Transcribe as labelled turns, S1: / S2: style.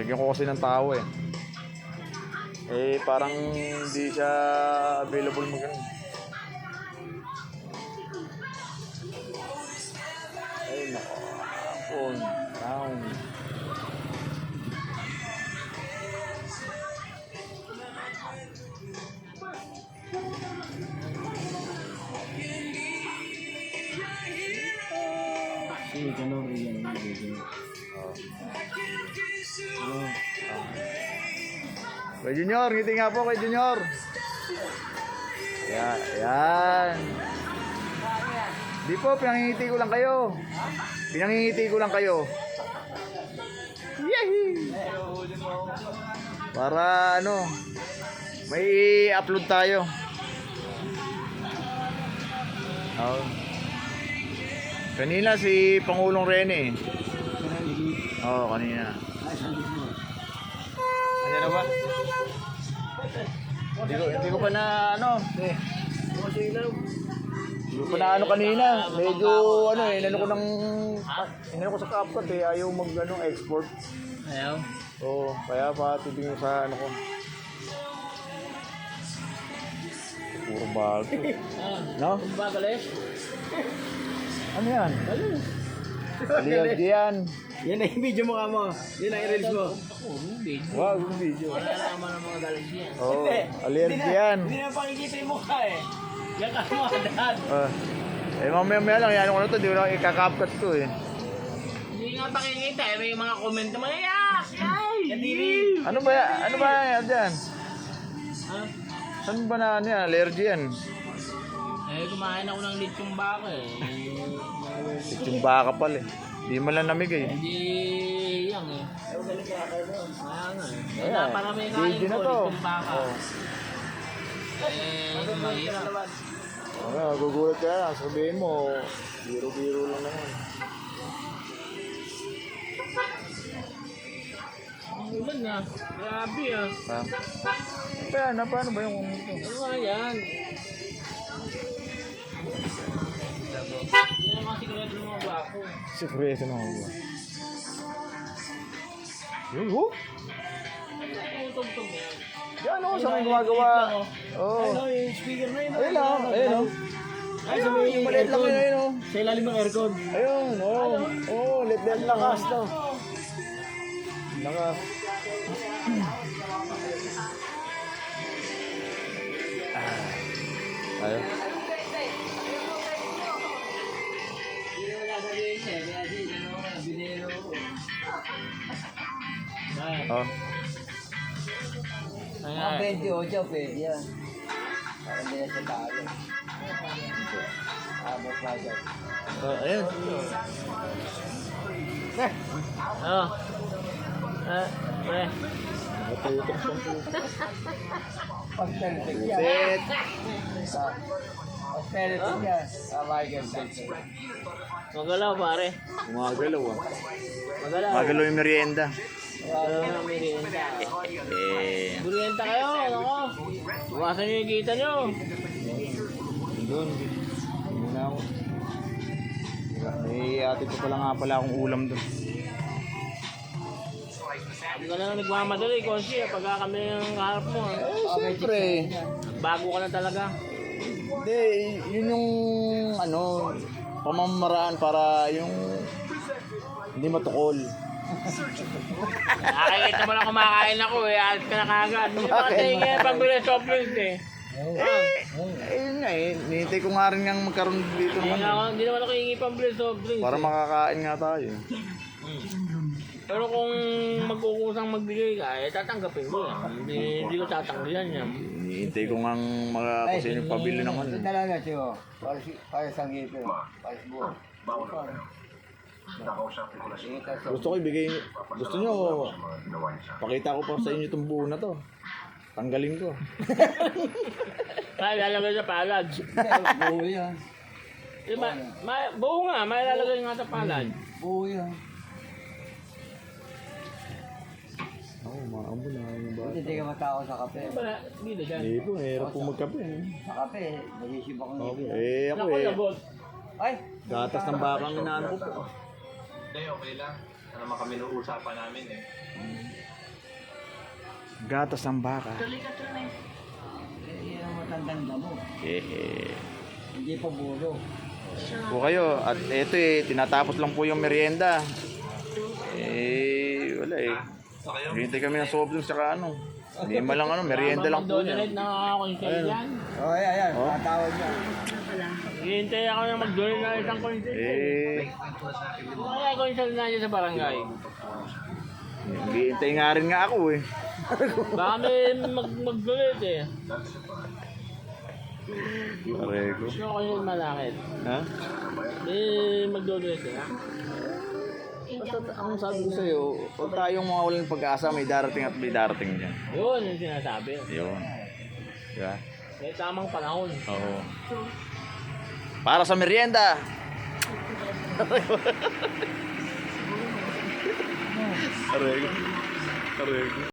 S1: Binigyan ko kasi ng tao eh. Eh, parang hindi siya available mo ganun. Ay, nako. Hapon. Down.
S2: Sige, ganun rin yan.
S1: Kay Junior, ngiti nga po kay Junior. Yan. Di po, pinangingiti ko lang kayo. Pinangingiti ko lang kayo. Yehey! Para ano, may upload tayo. Oh. Kanina si Pangulong Rene. Oo, kanina. Ano na ba? Hindi ko pa na ano. Hindi ko pa na ano kanina. Medyo ano eh, inano ko sa CapCut eh, ayaw mag ano, export.
S2: Ayaw?
S1: Oo, kaya pa titingin sa ano ko. Puro bago. No?
S2: Bagal eh.
S1: Ano yan? Aliyag yan.
S2: Yan na yung video mo ka mo. Yan na i-release mo.
S1: Wow, yung video.
S2: Wala naman ang mga galing yan.
S1: Oo, aliyag yan.
S2: Hindi na pakikita yung mukha eh. Yan ka mo dad.
S1: Eh, mamaya lang, yan ko na to, di ko na ikakapkat to eh.
S2: Hindi nga pakikita eh. May mga comment naman. Yak! Yay!
S1: Ano ba yan dyan?
S2: Ha?
S1: Saan ba na ano yan? Allergy yan.
S2: Eh, kumain ako ng lechong baka eh.
S1: Yung baka pala eh. Di man lang namig eh.
S2: Hindi yan eh. Kaya nga eh.
S1: Ayan,
S2: Kaya para may kain
S1: video na
S2: ko,
S1: to.
S2: lechong baka. Mahirap.
S1: Gugulat ka lang. Sabihin mo, biro-biro lang naman.
S2: Ang ulan na. Grabe ah.
S1: Paano ba yung ito?
S2: Ano nga yan? Hindi naman sigurado ng mga bako.
S1: Sikreto na ako. Yun, ho?
S2: Tugtog yan.
S1: Yan o, sa may gumagawa. Oo.
S2: Ano yung speaker na yun?
S1: Ayun lang, ayun o.
S2: Ay, sa may
S1: Yung maliit lang yun, ayun o.
S2: Sa ilalim ng aircon.
S1: Ayun, oo. Oo, lit-lit lang.
S2: Lakas to.
S1: Lakas. Ayun. Oh.
S2: Ang
S3: 28 pwede yan. Para hindi na siya talo. Abot pa dyan.
S1: Ayun.
S2: Oh.
S1: Matutok sa
S3: Pag-teletik yan.
S1: Set.
S3: Pag-teletik yan. Michael Jackson.
S2: Magalaw pare.
S1: Gumagalaw ah.
S2: Magalaw.
S1: Gumagalaw yung merienda.
S2: Magalaw ng merienda.
S1: Eh.
S2: Merienda kayo, ano? Bukasan nyo yung kita nyo.
S1: Doon. Muna ako. Eh, ate ko pala nga pala akong ulam doon.
S2: Hindi ka na nagmamadali, Konsi. Pagka kami ng harap mo.
S1: Eh, siyempre.
S2: Bago ka na talaga.
S1: Hindi, yun yung ano, pamamaraan para yung hindi matukol.
S2: Nakakita mo lang kumakain ako eh. Alis ka na kagad. Hindi pa kasi yung pambili soft drinks eh.
S1: Ayun nga eh, nihintay ko nga rin nga magkaroon dito naman.
S2: Hindi naman ako hingi pambili soft drinks.
S1: Para makakain nga tayo.
S2: Pero kung magkukusang magbigay ka, eh tatanggapin mo yan. Hindi ko tatanggihan yan.
S1: Nihintay ko nga kasi yung pabili ng ano.
S3: Ito na lang na siyo. Para sa ngipin. Para sa buwan.
S1: Gusto ko ibigay, gusto nyo, pakita ko pa sa inyo itong buo na to. Tanggalin ko.
S2: Kaya lalagay sa palad.
S3: Buo yan.
S2: Buo nga, may lalagay nga sa palad.
S3: Buo yan.
S1: Oo, maambo na yung bata.
S3: Hindi ka matao sa kape.
S2: Hindi na dyan.
S1: Hindi po, mahirap po magkape.
S3: Sa kape, nag-isip ako ng ngipin.
S1: Eh, ako
S2: Naku,
S1: eh,
S2: lagot.
S3: Ay!
S1: gatas ng bakang inaano ko po.
S4: Hindi, okay lang. Ano naman kami nung usapan namin eh.
S1: Gatas ng baka.
S3: Yan ang matandang damo. Hindi pa bulo.
S1: Po kayo. At eto tinatapos lang po yung merienda. Wala hintay kami ng soft drinks saka ano. Hindi man lang merienda lang po
S2: Mag-donate
S1: yan.
S2: na ako sa yan.
S3: Ayan. Tatawag niya.
S2: Hihintay ako na mag-donate na isang coins. Kaya coins na dyan sa barangay.
S1: Hintay nga rin nga ako
S2: Baka may mag-donate eh.
S1: Parego.
S2: Gusto ko yung malakit.
S1: Ha?
S2: May mag-donate eh.
S1: Basta ang sabi ko sa'yo, huwag tayong mga walang pag-asa, may darating at may darating dyan.
S2: Yun yung sinasabi.
S1: Yun. Diba?
S2: May tamang panahon.
S1: Oo. Para sa merienda! Parego. Parego.